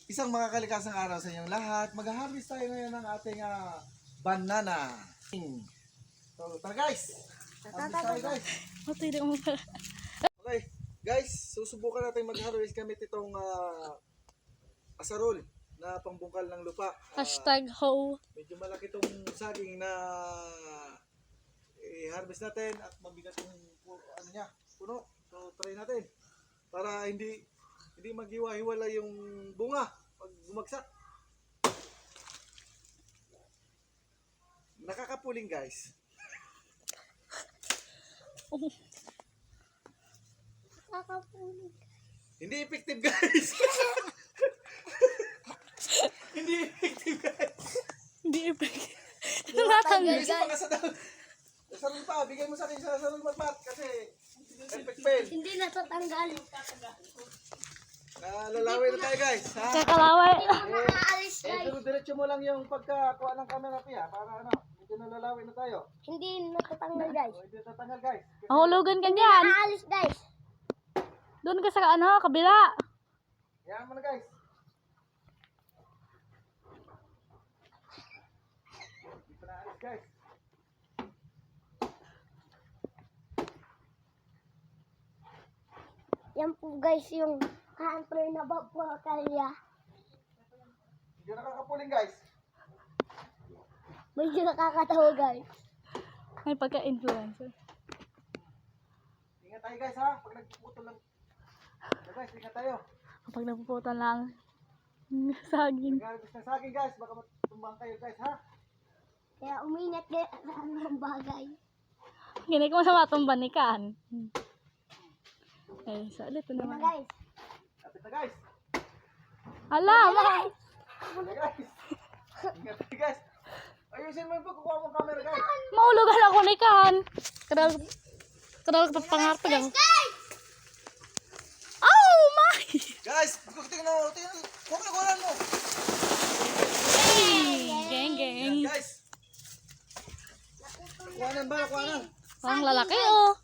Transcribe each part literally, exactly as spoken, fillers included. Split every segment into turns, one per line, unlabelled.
Isang makakalikasang araw sa inyong lahat. Mag-harvest tayo ngayon ng ating uh, banana. So, tara guys! Harvest tayo guys! Okay, guys, susubukan natin mag-harvest gamit itong uh, asarol na pambungkal ng lupa. Uh,
Hashtag ho.
Medyo malaki itong saging na i-harvest natin at mabigat yung ano niya, puno. So, try natin para hindi hindi maghiwa-hiwala yung bunga pag bumagsak. Nakakapuling guys.
Nakakapuling.
Hindi effective guys. Hindi effective guys.
Hindi effective. Natanggal
Isa pa ka sa dal. Sarol pa, bigay mo sa akin sa sarol matmat kasi epic fail.
Hindi natatanggal.
Nalalaway na tayo guys. Ha?
Kakalaway.
Eh, eh pero diretso mo lang yung pagkakuha ng camera piya para ano, medyo nalalaway na tayo.
Hindi natatanggal guys.
O, hindi tatanggal guys.
Mahulugan ka dyan. Aalis guys. Doon ka sa ano, kabila.
Yan mo na guys. Hindi pa naalis guys.
Yan po guys yung country na babakalya.
Hindi nakakapuling guys.
Medyo nakakatawa guys. May pagka-influencer.
Ingat tayo guys ha. Pag nagpuputol lang. So, guys, ingat tayo.
Kapag napuputan lang saging.
Nag-harvest na sa akin guys. Baka matumbang kayo guys ha.
Kaya umingat kayo sa anong bagay. Gini ko sa matumban ni Kan. Eh, sa ulit naman.
Guys. Kapit na guys.
Hala, ma.
Ingat guys. Ingat tayo guys. Ayusin mo yung pagkukuha mong camera guys.
Maulugan ako ni Kan. Kadal kadal ka pangarap lang. Oh my.
Guys, tingnan mo, tingnan mo. Kuha na kuha mo.
Geng geng.
Yan, guys. Kuhanan ba? Kuhanan.
Ang lalaki oh.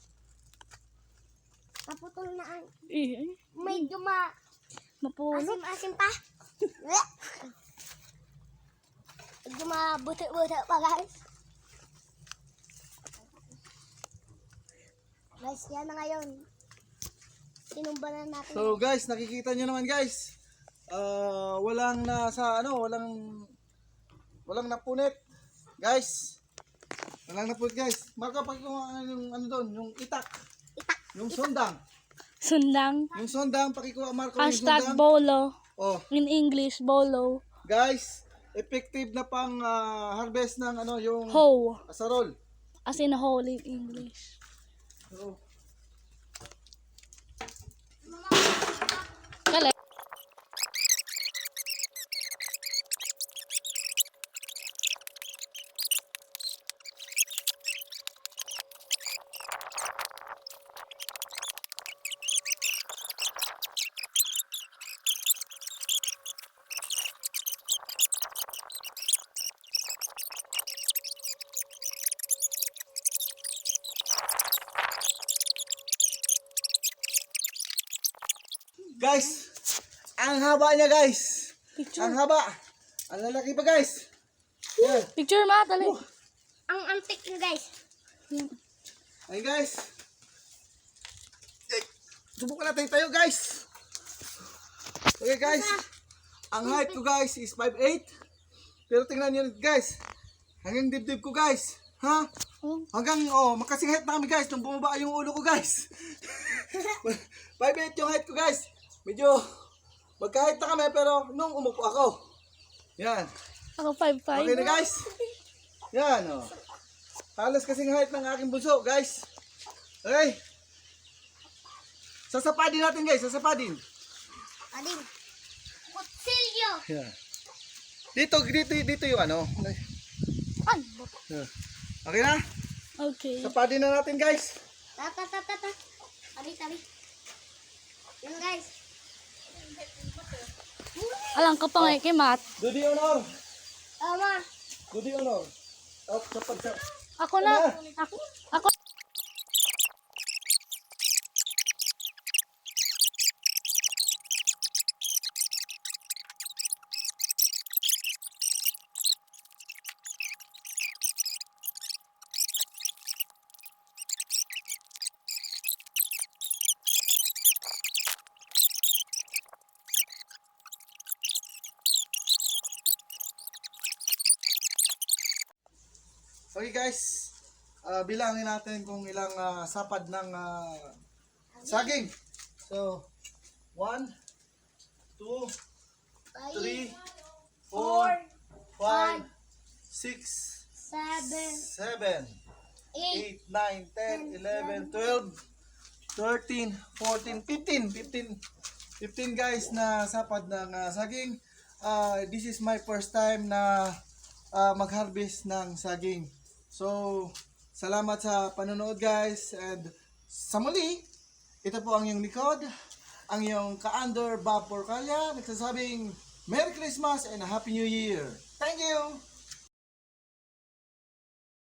Naputol na ang
Eh,
medyo ma
mapulot.
asim-asim pa. Medyo mabuti-buti pa guys. Guys, yan na ngayon. Sinumba na natin.
So guys, nakikita nyo naman guys. Uh, walang nasa ano, walang walang napunit. Guys. Walang napunit guys. Marka pa kung ano yung ano doon, yung itak.
Itak.
Yung sondang.
Sundang.
Yung sondang pakikuha Marco yung
Hashtag
sondang.
bolo.
Oh,
In English, bolo.
guys, effective na pang ah, harvest ng ano yung
Hoe.
asarol.
As in whole in English.
So,
Galing.
guys, ang haba niya guys.
Picture.
Ang haba. Ang lalaki pa guys. Yan.
Picture ma, dali.
Ang antik na guys.
Ayun guys. Eh, subukan natin tayo guys. Okay guys. Ang height ko guys is five eight. Pero tingnan nyo guys. Hanggang dibdib ko guys. Ha?
Oh.
Hanggang oh, makasing height na kami guys. Nung bumaba yung ulo ko guys. five eight yung height ko guys. Medyo magka-height na kami pero nung umupo ako. Yan.
Ako five five.
Okay na guys. Yan oh. Halos kasing height ng aking bunso guys. Okay. Sasapadin natin guys, sasapadin.
Ading. Kutsilyo.
Yan. Dito, dito, dito yung ano.
Ano?
Yan. Okay na?
Okay.
Sapadin na natin guys.
Tata tata tata. Tabi tabi. Yan guys.
Alam ka pa nga kay Matt.
Dudi honor.
Tama.
Dudi honor. At kapag sa...
Ako na.
Ano?
Ako. Ako.
Okay guys, ah, bilangin natin kung ilang ah, sapad ng ah, saging. So, one, two, three, four, five, six,
seven,
seven,
eight,
eight, nine, ten, eleven, twelve, thirteen, fourteen, fifteen, fifteen, fifteen guys na sapad ng ah, saging. Ah, this is my first time na ah, mag-harvest ng saging. So, salamat sa panonood guys, and sa muli, ito po ang iyong likod, ang iyong ka-under Bob Porcalia, nagsasabing Merry Christmas and a Happy New Year. Thank you!